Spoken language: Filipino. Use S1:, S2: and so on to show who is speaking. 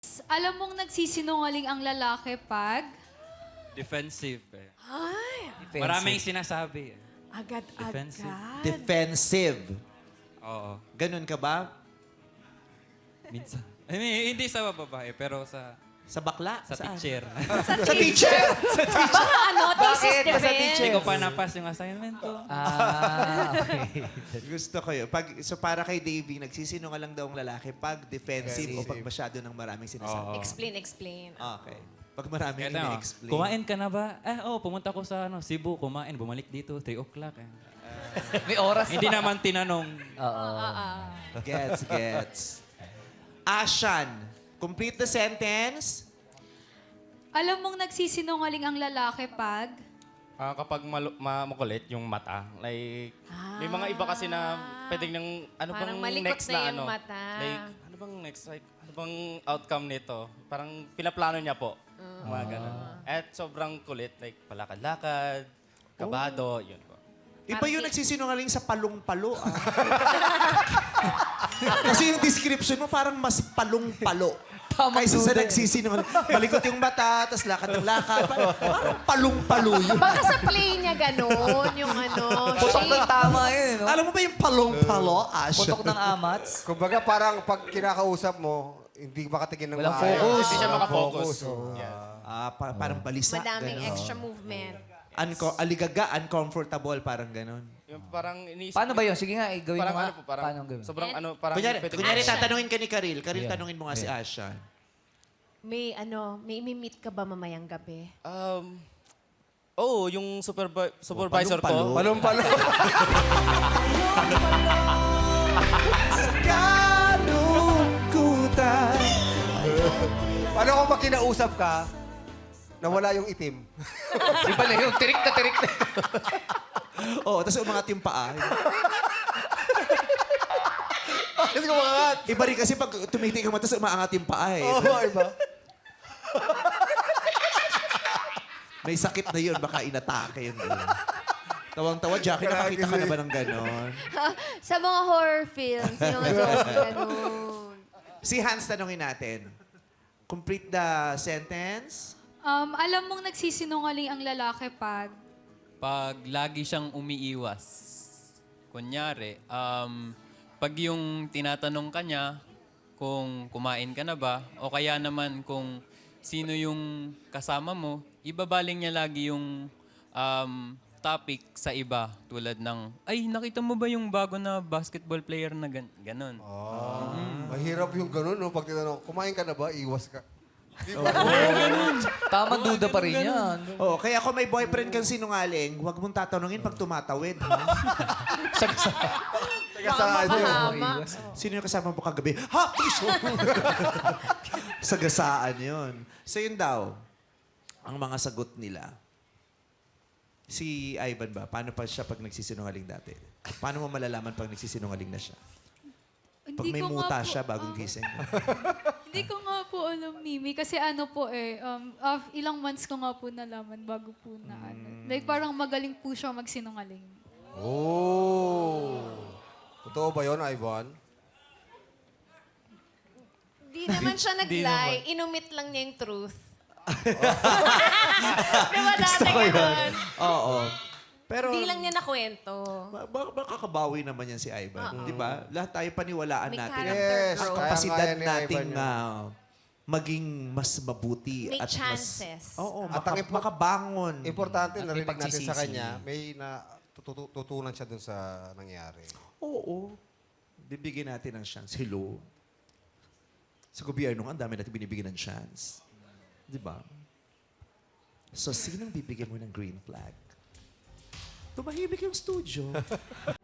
S1: Alam mong nagsisinungaling ang lalaki pag...
S2: Defensive eh.
S3: Ay,
S2: Maraming sinasabi eh.
S3: agad-agad.
S2: Defensive.
S4: Defensive.
S2: Oo.
S4: Ganun ka ba?
S2: Minsan. I mean, hindi sa babae, pero sa
S4: Sa bakla?
S2: sa
S4: Saan?
S2: teacher.
S4: Sa teacher!
S3: Baka ano, thesis defense.
S2: Hindi ko pa napas yung assignment ko.
S5: Okay.
S4: Gusto ko yun. So para kay Davey, nagsisinungalang daw ang lalaki pag defensive o pag masyado ng maraming sinasabi.
S2: Oo.
S3: Explain.
S4: Okay. Pag maraming
S2: Kaya na,
S4: ini-explain.
S2: kumain ka na ba? Pumunta ko sa Cebu, kumain, bumalik dito, 3 o'clock.
S5: May oras
S2: Hindi
S5: pa.
S2: naman tinanong.
S5: Oo.
S4: Gets. Ashan, complete the sentence.
S1: Alam mong nagsisinungaling ang lalaki pag...
S6: Kapag makulit yung mata, like, may mga iba kasi na pwedeng ng, ano
S3: Parang
S6: bang
S3: malikot
S6: next
S3: na
S6: na
S3: yung
S6: ano?
S3: mata.
S6: Like, ano bang next, like, ano bang outcome nito? Parang pinaplano niya po. Mga ganun. At sobrang kulit, like, palakad-lakad, kabado, yun po.
S4: Iba yung nagsisinungaling sa palong-palo. Kasi yung description mo parang mas palong-palo.
S5: Tamang
S4: Kaysa sa
S5: duda eh.
S4: nagsisinungaling. Malikot yung mata, tas lakad ng lakad. Parang palong-palo yun.
S3: Baka sa play niya ganun, yung ano,
S5: Putok ng
S3: shape.
S5: tama yun, no?
S4: Alam mo ba yung palong-palo, Ash?
S5: Putok ng amats.
S7: Kumbaga parang pag kinakausap mo, hindi makatingin ng
S5: Walang
S7: maayos.
S5: focus.
S6: Hindi siya makafocus.
S7: Oo.
S6: Yeah.
S4: Parang balisa.
S3: Madaming
S4: ganun.
S3: extra movement.
S4: Aligaga, uncomfortable, parang ganun.
S6: Yung parang iniisip.
S5: Paano ba yun? Sige nga, gawin
S6: Parang
S5: mo nga.
S6: ano po, parang,
S5: Paano gawin?
S6: sobrang ano, parang pwede-
S4: Kunyari
S3: Ashan.
S4: tatanungin ka ni Karil. Karil,
S5: Yeah.
S4: tanungin mo nga si Asha.
S3: May imi-meet ka ba mamayang gabi?
S6: yung supervisor ko.
S7: Palong-palong.
S4: Kalungkutan.
S7: Paano kung pag kinausap ka, nawala yung itim?
S5: Iba na yun. Tirik na tirik na.
S4: Oo, tapos umangat yung paa.
S7: Kasi kumakat.
S4: Iba rin kasi pag tumitig ka mo, tapos umaangat yung paa eh.
S7: Oo, iba.
S4: May sakit na yun, baka inatake yun. Tawang-tawa, Jackie, nakakita ka na ba ng ganon?
S8: Sa mga horror films, yung mga joke, ganun.
S4: Si Hans, tanungin natin. Complete the sentence.
S1: alam mong nagsisinungaling ang lalaki pag...
S9: Pag lagi siyang umiiwas. Kunyari, pag yung tinatanong ka niya kung kumain ka na ba, o kaya naman kung sino yung kasama mo, ibabaling niya lagi yung topic sa iba. Tulad ng, ay, nakita mo ba yung bago na basketball player na ganon?
S7: Mahirap yung ganun, no? Pag tinanong, kumain ka na ba? Iwas ka.
S5: Tamang duda pa rin yan.
S4: Oh, kaya kung may boyfriend kang sinungaling, huwag mong tatanungin pag tumatawid. Ha?
S3: Baka mapahama.
S4: Sino yung kasama mo kagabi? Ha! Piso! Sagasaan yun. So yun daw, ang mga sagot nila. Si Ivan ba, paano pa siya pag nagsisinungaling dati? Paano mo malalaman pag nagsisinungaling na siya? Pag may muta siya bagong gising.
S1: Hindi ko nga po alam, Mimi. Kasi ano po ilang months ko nga po nalaman bago po na ano. Like parang magaling po siya magsinungaling.
S7: Oh. Totoo ba yun, Ivan?
S3: Di naman siya nag-lie. Inumit lang niya yung truth. Di ba dati ganun?
S4: Oo. Pero
S3: Di lang niya nakwento.
S4: makakabawi naman yan si Ivan. Di ba? Lahat tayo paniwalaan
S3: May
S4: natin.
S3: character
S7: Yes,
S3: growth.
S4: Ang
S7: kaya
S4: kapasidad
S7: kaya ni
S4: nating
S7: Ivan yun.
S4: maging mas mabuti
S3: May
S4: at
S3: chances.
S4: mas oo,
S7: At ang
S4: makabangon.
S7: Importante,
S5: At may
S7: narinig natin sa
S5: pagsisisi.
S7: kanya, may tutunan siya dun sa nangyari.
S4: Oo. Bibigyan natin ng chance. Hello. Sa gobyerno, ang dami natin binibigyan ng chance. Di ba? So, sinong bibigyan mo ng green flag? Tumahimik yung studio.